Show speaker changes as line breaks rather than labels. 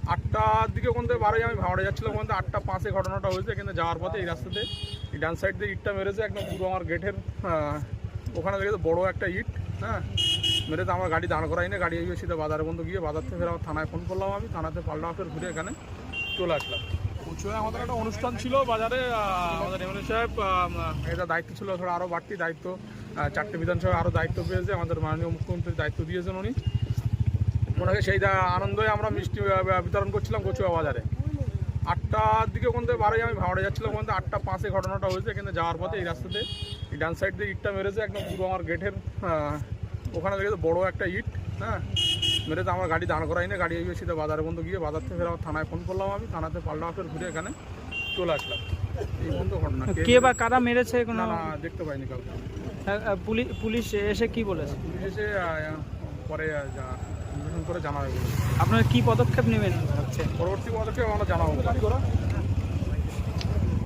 8টার দিকে ওখান থেকে বারোই আমি ভাড়া যাচ্ছিলাম, ওখান থেকে 8:05 ঘটনাটা হয়েছে। কিন্তু যাওয়ার পথে এই রাস্তাতে এই ডান সাইড দিয়ে ইটটা মেরেছে একদম পুরো আমার গেটের ওখানে দেখে বড় একটা ইট, হ্যাঁ, মেরে তো আমার গাড়ি দাঁড় করাই না। গাড়ি এগিয়ে সিধা বাজারে বন্ধ গিয়ে বাজার থেকে ফের আমার থানায় ফোন করলাম। আমি থানাতে পাল্টা ফের ঘুরে এখানে চলে আসলাম। উঁচুয়ে আমাদের একটা অনুষ্ঠান ছিল বাজারে, আমাদের এমএলএ সাহেব এটা দায়িত্ব ছিল ধরো আরও বাড়তি দায়িত্ব, 4টে বিধানসভায় আরও দায়িত্ব পেয়েছে। আমাদের মাননীয় মুখ্যমন্ত্রীর দায়িত্ব দিয়েছেন উনি, ওনাকে সেই আনন্দে আমরা মিষ্টি বিতরণ করছিলাম কচুয়া বাজারে। 8টার দিকে ওখান থেকে বারোই আমি ভাড়া যাচ্ছিলাম, ওখান থেকে 8:05 ঘটনাটা হয়েছে। কিন্তু যাওয়ার পথে এই রাস্তাতে এই ডান সাইড দিয়ে ইটটা মেরেছে একদম পুরো আমার গেটের ওখানে দেখে বড় একটা ইট, হ্যাঁ, মেরে তো আমার গাড়ি দাঁড় করাই না। গাড়ি এগিয়ে সিধা বাজারে বন্ধ গিয়ে বাজার থেকে ফের আমার থানায় ফোন করলাম। আমি থানাতে পাল্টা ফের ঘুরে এখানে চলে আসলাম। এই বন্ধ ঘটনা।
কে বা কারা মেরেছে
না না দেখতে পাইনি কাউকে।
পুলিশ এসে কি বলেছে?
পুলিশ এসে পরে করে জানাবে।
আপনারা কি পদক্ষেপ নেবেন হচ্ছে?
পরবর্তী পদক্ষেপ আমরা জানাবো।